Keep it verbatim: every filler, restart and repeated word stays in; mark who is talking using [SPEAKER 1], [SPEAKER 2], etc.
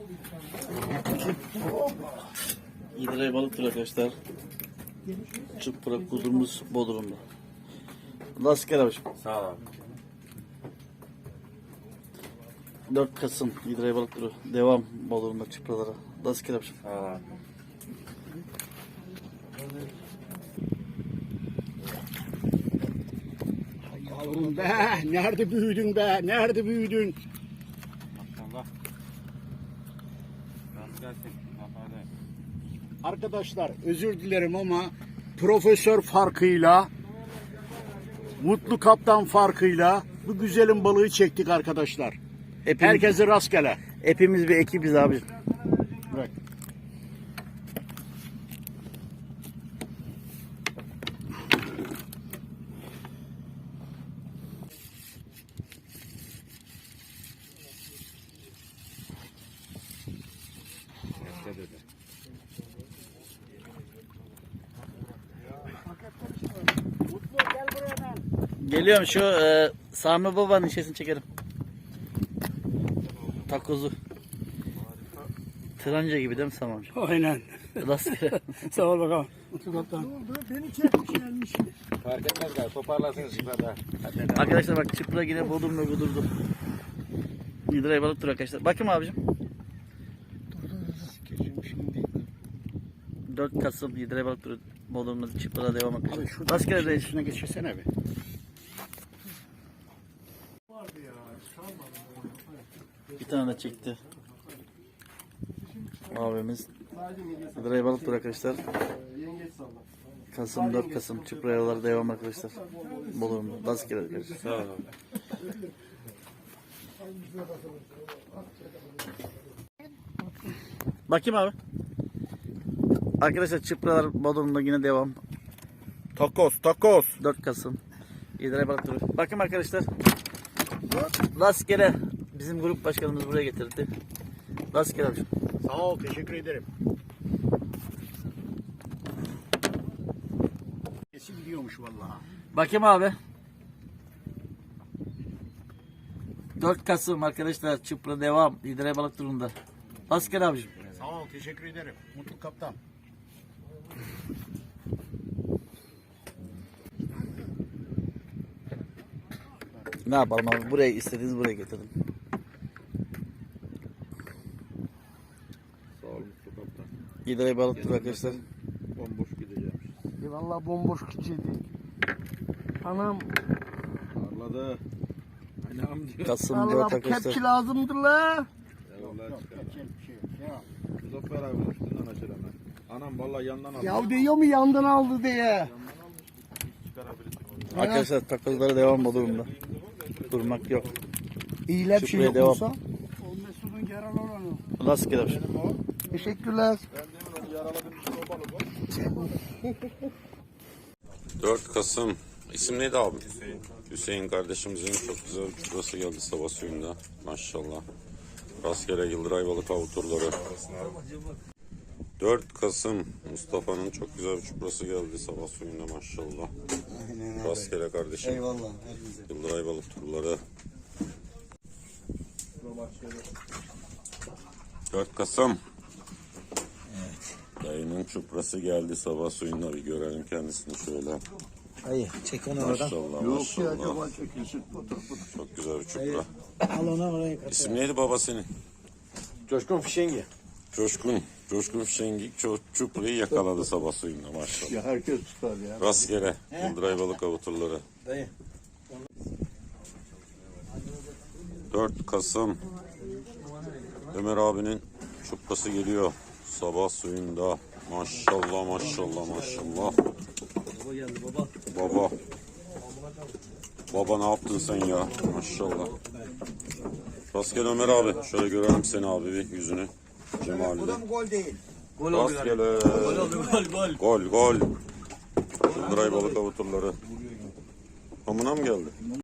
[SPEAKER 1] İdre balıktır arkadaşlar. Çupra kuzumuz Bodrum'da. Rastgele abiciğim.
[SPEAKER 2] Sağ ol abi.
[SPEAKER 1] dört Kasım İdre balıkları. Devam Bodrum'da çupralara. Rastgele abiciğim.
[SPEAKER 2] Sağ ol abi.
[SPEAKER 3] Yavrum be, nerede büyüdün be, nerede büyüdün?
[SPEAKER 2] Maşallah. Rast gelsin. Zafer'de.
[SPEAKER 3] Arkadaşlar özür dilerim ama profesör farkıyla, Mutlu Kaptan farkıyla bu güzelim balığı çektik arkadaşlar.
[SPEAKER 1] Hepimiz,
[SPEAKER 3] Herkese rastgele.
[SPEAKER 1] hepimiz bir ekibiz abiciğim.
[SPEAKER 3] Bırak.
[SPEAKER 2] Rast dedi.
[SPEAKER 3] Mutlu gel buraya hemen.
[SPEAKER 1] Geliyorum şu e, Sami Baba'nın şeysini çekelim. Takozu. Tranca gibi değil mi Sami amca?
[SPEAKER 3] Aynen.
[SPEAKER 1] Rastgele.
[SPEAKER 3] Sağ ol bakalım. Mutlu Kaptan. Beni çekmiş gelmiş.
[SPEAKER 2] Fark etmez galiba. Toparlarsınız yukarıda.
[SPEAKER 1] Arkadaşlar bak çupra yine Bodrum'da kudurdu. İdre balıktır arkadaşlar. Bakayım abicim. dört Kasım İdre balıktır Bodrum'da çuprada devam
[SPEAKER 3] Abi
[SPEAKER 1] arkadaşlar.
[SPEAKER 3] şurada
[SPEAKER 1] Rastgele reis.
[SPEAKER 3] üstüne geçirsene be.
[SPEAKER 1] Bir tane de çekti. Abimiz. İdre balıktır arkadaşlar. Kasım dört Kasım çupra yolları devam arkadaşlar. Bodrum'da. Rastgele arkadaşlar.
[SPEAKER 2] Sağ ol abi.
[SPEAKER 1] Bakayım abi. Arkadaşlar çupralar Bodrum'da yine devam.
[SPEAKER 2] Takos, takos.
[SPEAKER 1] dört Kasım İdre balıkları. Bakın arkadaşlar. Rastgele bizim grup başkanımız buraya getirdi. Rastgele abi.
[SPEAKER 3] Sağ ol, teşekkür ederim. Sesi gidiyormuş vallahi.
[SPEAKER 1] Bakayım abi. dört Kasım arkadaşlar çupra devam. İdre balık turunda. Rastgele abicim.
[SPEAKER 3] Sağ ol, teşekkür ederim. Mutlu Kaptan.
[SPEAKER 1] Ne yapalım abi? Buraya istediğiniz buraya getirdim.
[SPEAKER 2] Sağ ol Mutlu Kaptan.
[SPEAKER 1] İdre balık turu arkadaşlar.
[SPEAKER 2] Bomboş gideceğim.
[SPEAKER 4] E vallahi bomboş gidecekti. Anam,
[SPEAKER 2] Parladı. Anam diyor.
[SPEAKER 1] Kasım dört
[SPEAKER 4] Allah
[SPEAKER 1] arkadaşlar.
[SPEAKER 4] kepçi lazımdır la.
[SPEAKER 2] Eyvallah
[SPEAKER 3] Yok,
[SPEAKER 2] çıkar.
[SPEAKER 3] yapacak bir şey yok. Ya.
[SPEAKER 2] Muzaffer abi üstünden açır hemen. Anam vallahi yandan aldı.
[SPEAKER 4] Ya diyor mu yandan aldı diye.
[SPEAKER 2] Çıkarabilirsin.
[SPEAKER 1] Arkadaşlar takozlara devam Bodrum'da. Durmak yok.
[SPEAKER 4] İyile bir şey
[SPEAKER 1] Şükrü'ye
[SPEAKER 4] yok
[SPEAKER 1] devam.
[SPEAKER 4] olsa.
[SPEAKER 3] O Mesut'un yaralı olanı.
[SPEAKER 1] Rastgele abicim.
[SPEAKER 4] Teşekkürler.
[SPEAKER 5] dört Kasım. İsim neydi abi? Hüseyin. Hüseyin kardeşimizin çok güzel bir çuprası geldi sabah suyunda. Maşallah. Rastgele Yıldıray balık av turları. dört Kasım. Mustafa'nın çok güzel bir çuprası geldi sabah suyunda maşallah. Rastgele kardeşim.
[SPEAKER 4] Eyvallah.
[SPEAKER 5] Yıldıray balık turları. dört Kasım. Dayının çuprası geldi sabah suyunda, bir görelim kendisini şöyle.
[SPEAKER 4] Hayır, çek onu oradan.
[SPEAKER 5] Maşallah maşallah. Çok güzel bir çupra.
[SPEAKER 4] Al onu oraya kaç.
[SPEAKER 5] İsim neydi baba senin?
[SPEAKER 2] Coşkun Fişengi.
[SPEAKER 5] Coşkun. Coşkun Fişengik ço- çuprayı yakaladı sabah suyunda maşallah.
[SPEAKER 3] Ya herkes tutar ya.
[SPEAKER 5] Rastgele. Yıldıray balık avuturları.
[SPEAKER 4] Dayı.
[SPEAKER 5] dört Kasım. Ömer abinin çuprası geliyor. Sabah suyunda. Maşallah maşallah maşallah.
[SPEAKER 1] Baba geldi baba.
[SPEAKER 5] Baba. Baba ne yaptın sen ya? Maşallah. Rastgele Ömer abi. Şöyle görelim seni abi bir yüzünü. Cemal'de.
[SPEAKER 4] Gol değil.
[SPEAKER 1] Gol oldu
[SPEAKER 5] Rastgele.
[SPEAKER 1] Gol oldu gol gol.
[SPEAKER 5] Gol gol. Yıldıray balık avuturları. Hamına mı geldi?